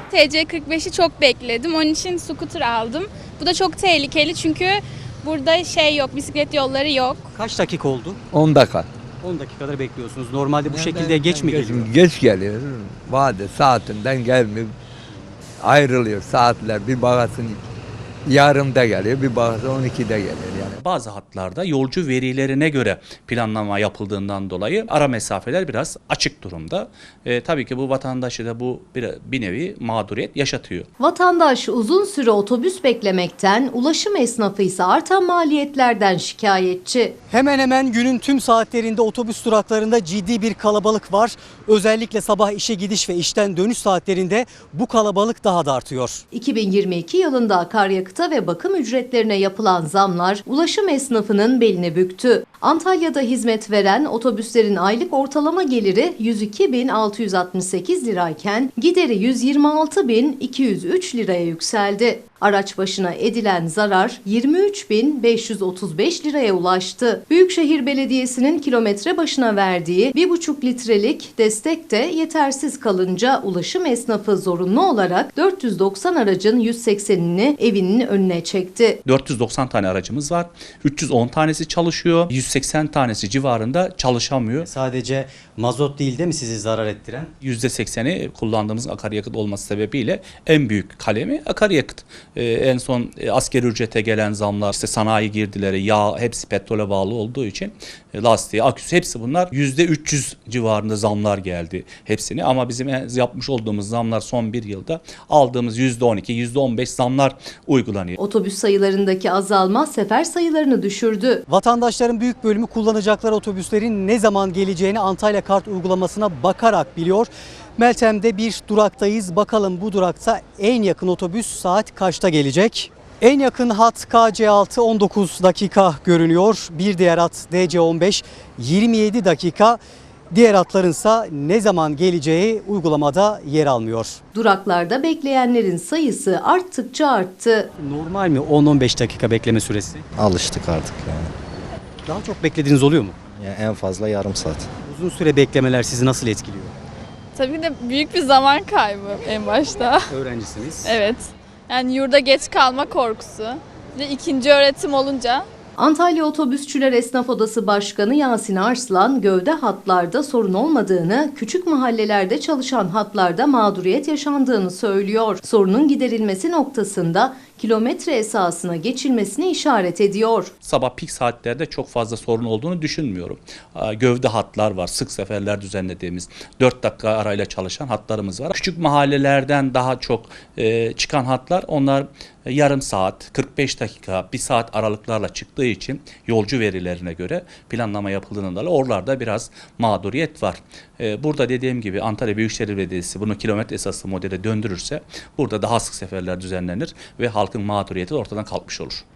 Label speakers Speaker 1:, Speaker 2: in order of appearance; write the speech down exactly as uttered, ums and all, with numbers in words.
Speaker 1: T C kırk beşi çok bekledim. Onun için scooter aldım. Bu da çok tehlikeli çünkü burada şey yok, bisiklet yolları yok.
Speaker 2: Kaç dakika oldu?
Speaker 3: on dakika.
Speaker 2: on dakikadır bekliyorsunuz. Normalde bu
Speaker 3: Yani
Speaker 2: şekilde
Speaker 3: ben-
Speaker 2: geç mi
Speaker 3: ben
Speaker 2: geliyor?
Speaker 3: Geç geliyor. Vade saatinden gelmiyor. Ayrılıyor saatler. Bir bakasın yarımda geliyor, bir bakasın on ikide geliyor yani.
Speaker 4: Bazı hatlarda yolcu verilerine göre planlama yapıldığından dolayı ara mesafeler biraz açık durumda. E, tabii ki bu vatandaşı da bu bir, bir nevi mağduriyet yaşatıyor.
Speaker 5: Vatandaş uzun süre otobüs beklemekten, ulaşım esnafı ise artan maliyetlerden şikayetçi.
Speaker 2: Hemen hemen günün tüm saatlerinde otobüs duraklarında ciddi bir kalabalık var. Özellikle sabah işe gidiş ve işten dönüş saatlerinde bu kalabalık daha da artıyor.
Speaker 5: iki bin yirmi iki yılında akaryakıta ve bakım ücretlerine yapılan zamlar ulaşım esnafının belini büktü. Antalya'da hizmet veren otobüslerin aylık ortalama geliri yüz iki bin altı yüz altmış sekiz lirayken gideri yüz yirmi altı bin iki yüz üç liraya yükseldi. Araç başına edilen zarar yirmi üç bin beş yüz otuz beş liraya ulaştı. Büyükşehir Belediyesi'nin kilometre başına verdiği bir buçuk litrelik destek de yetersiz kalınca ulaşım esnafı zorunlu olarak dört yüz doksan aracın yüz seksenini evinin önüne çekti.
Speaker 4: dört yüz doksan tane aracımız var. üç yüz on tanesi çalışıyor. yüz seksen tanesi civarında çalışamıyor.
Speaker 2: Sadece mazot değil değil mi sizi zarar ettiren?
Speaker 4: yüzde sekseni kullandığımız akaryakıt olması sebebiyle en büyük kalemi akaryakıt. Ee, en son e, asgari ücrete gelen zamlar, işte sanayi girdileri, yağ hepsi petrole bağlı olduğu için e, lastiği, aküsü hepsi bunlar yüzde üç yüz civarında zamlar geldi hepsini. Ama bizim yapmış olduğumuz zamlar son bir yılda aldığımız yüzde on iki, yüzde on beş zamlar uygulanıyor.
Speaker 5: Otobüs sayılarındaki azalma sefer sayılarını düşürdü.
Speaker 2: Vatandaşların büyük bölümü kullanacakları otobüslerin ne zaman geleceğini Antalya Kart uygulamasına bakarak biliyor. Meltem'de bir duraktayız. Bakalım bu durakta en yakın otobüs saat kaçta gelecek? En yakın hat K C altı on dokuz dakika görünüyor. Bir diğer hat D C on beş yirmi yedi dakika. Diğer hatlarınsa ne zaman geleceği uygulamada yer almıyor.
Speaker 5: Duraklarda bekleyenlerin sayısı arttıkça arttı.
Speaker 2: Normal mi on on beş dakika bekleme süresi?
Speaker 6: Alıştık artık yani.
Speaker 2: Daha çok beklediğiniz oluyor mu?
Speaker 6: Yani en fazla yarım saat.
Speaker 2: Uzun süre beklemeler sizi nasıl etkiliyor?
Speaker 1: Tabii de büyük bir zaman kaybı en başta.
Speaker 2: Öğrencisiniz.
Speaker 1: Evet. Yani yurda geç kalma korkusu. Bir de ikinci öğretim olunca
Speaker 5: Antalya Otobüsçüler Esnaf Odası Başkanı Yasin Arslan, gövde hatlarda sorun olmadığını, küçük mahallelerde çalışan hatlarda mağduriyet yaşandığını söylüyor. Sorunun giderilmesi noktasında kilometre esasına geçilmesini işaret ediyor.
Speaker 4: Sabah pik saatlerde çok fazla sorun olduğunu düşünmüyorum. Gövde hatlar var, sık seferler düzenlediğimiz dört dakika arayla çalışan hatlarımız var. Küçük mahallelerden daha çok çıkan hatlar, onlar yarım saat, kırk beş dakika, bir saat aralıklarla çıktığı için yolcu verilerine göre planlama yapıldığında oralarda biraz mağduriyet var. Burada dediğim gibi Antalya Büyükşehir Belediyesi bunu kilometre esaslı modele döndürürse burada daha sık seferler düzenlenir ve halkın mağduriyeti ortadan kalkmış olur.